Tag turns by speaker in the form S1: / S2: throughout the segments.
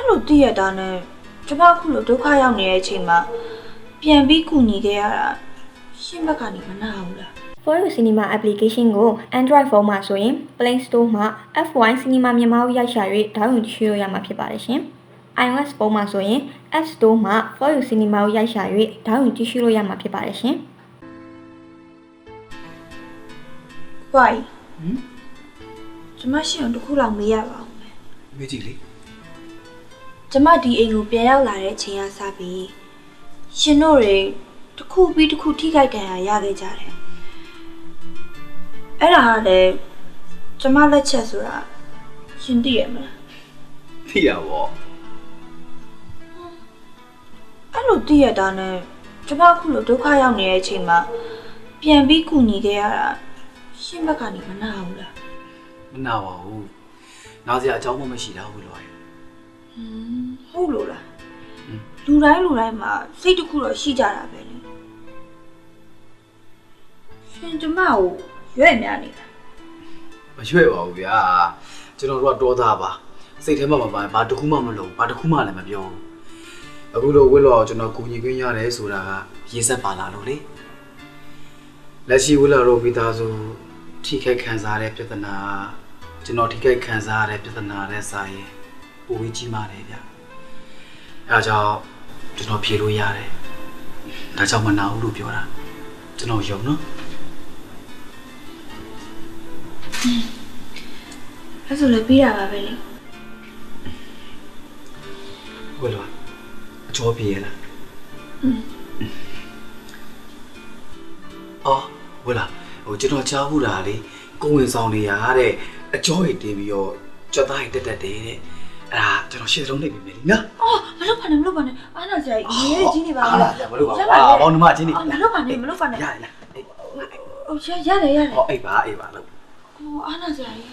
S1: လိုတည့်ရတာနဲ့ကျမအခုလိုဒုက္ခရောက်နေတဲ့အချိန်မှာပြန်ပြီးကူညီခဲ့ရတာရှင်းဘက်ကနေမနာဘူးလား
S2: Foyo Cinema application ကို Android phone မှာဆိုရင် Play Store မှာ F1 Cinema မြန်မာကိုရိုက်ရှာ၍ဒေါင်းလုဒ်ကြည့်လို့ရမှာဖြစ်ပါတယ်ရှင်။ iOS ဖုန်းမှာဆိုရင် App Store မှာ Foyo Cinema ကိုရိုက်ရှာ၍ဒေါင်းလုဒ်ကြည့်လို့ရမှာဖြစ်ပါတယ်ရှင်။
S1: Why ကျမရှင်းအောင်တစ်ခုလောက်မေးရပါဦးမယ်
S3: မေးကြည့်လေ
S1: ကျမဒီအိမ်ကိုပြန်ရောက်လာတဲ့အချိန်ကစပြီးရှင်တို့တွေတစ်ခုပြီးတစ်ခုထိခိုက်ဒဏ်ရာရခဲ့ကြတယ်အဲ့ဒါကလည်းကျမလက်ချက်ဆိုတာရှင်သိရမလား
S3: သိရပါဘော
S1: အဲ့လိုသိရတာနဲ့ကျမအခုလိုဒုက္ခရောက်နေတဲ့အချိန်မှာပြန်ပြီးကူညီခဲ့ရတာရှင်းဘက်ကနေမနာဘူးလား
S3: မနာပါဘူးနားစရာအကြောင်းမှမရှိတာဘူးလို့ရ
S1: ဟုတ်လို့လားလူတိုင်းမှာစိတ်တစ်ခုတော့ရှိကြတာပဲလေရှင်ကျမကိုရွဲ့များနေတာ
S3: မရွှဲ့ပါဘူးဗျာကျွန်တော်တို့ကတော်သားပါစိတ်ထဲမှာမပါဘာတစ်ခုမှမလုပ်ဘာတစ်ခုမှလည်းမပြောဘူးအခုလိုဝစ်လောကျွန်တော်ကူညီခွင့်ရတယ်ဆိုတာကရေးဆက်ပါလာလို့လေလက်ရှိဝစ်လောတို့မိသားစုထိခိုက်ခံစားရတဲ့ပြဿနာကျွန်တော်ထိခိုက်ခံစားရတဲ့ပြဿနာနဲ့စာရင်ပိုပြီးကြီးမားတယ်ဗျအဲဒါကြောင့်ကျွန်တော်ဖြေလို့ရတယ်ဒါကြောင့်မနာဘူးလို့ပြောတာကျွန်တော်ယုံနော်
S1: အဲ့ဆိုလည်းပြီးတာပါပဲလေ
S3: ဝယ်လို့အကျော်ပြေးလားအော်ဝယ်လားဟိုကျွန်တော်ကြားဘူးတာလေကိုဝင်ဆောင်နေရတဲ့အကျော်တွေတင်ပြီးတော့ကြွက်သားတွေတက်တယ်တဲ့အဲ့ဒါကျွန်တော်ရှင်းစလုံးနေပြီမယ်လीနော်
S1: အော်မလုပ်ပါနဲ့အားနာစရာကြီးရေးကြီးနေပါ
S3: အား
S1: လေ
S3: လားမလို့ပါဘောင်းနှမချင်းနေ
S1: မလုပ်ပါနဲ့
S3: ရလား
S1: ဟုတ်ရတယ်
S3: ဟောအိတ်ပါလို့
S1: အော်အားနာစရာကြီး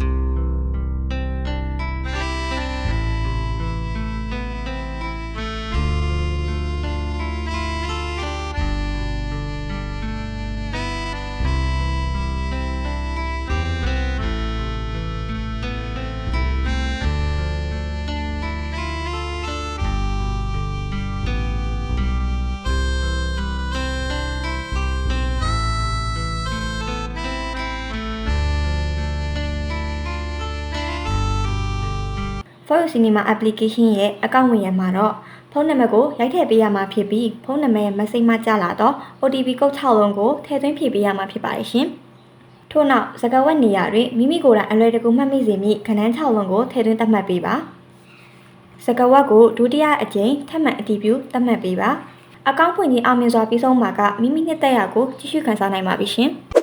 S2: Foyo Cinema application ရဲ့အကောင့်ဝင်ရမှာတော့ဖုန်းနံပါတ်ကိုရိုက်ထည့်ပေးရမှာဖြစ်ပြီးဖုန်းနံပါတ်ရဲ့ message မှာကြားလာတော့ OTP ကုတ်6လုံးကိုထည့်သွင်းဖြည့်ပေးရမှာဖြစ်ပါတယ်ရှင်။ထို့နောက်စကားဝတ်နေရာတွင်မိမိကိုယ်တိုင်အလွယ်တကူမှတ်မိစေမည့်ခဏန်း6လုံးကိုထည့်သွင်းသတ်မှတ်ပေးပါ။စကားဝတ်ကိုဒုတိယအကြိမ်ထပ်မံအတည်ပြုသတ်မှတ်ပေးပါ။အကောင့်ဖွင့်ခြင်းအောင်မြင်စွာပြီးဆုံးမှာကမိမိနှစ်သက်ရာကိုကြည့်ရှုခန်းစားနိုင်ပါပြီရှင်။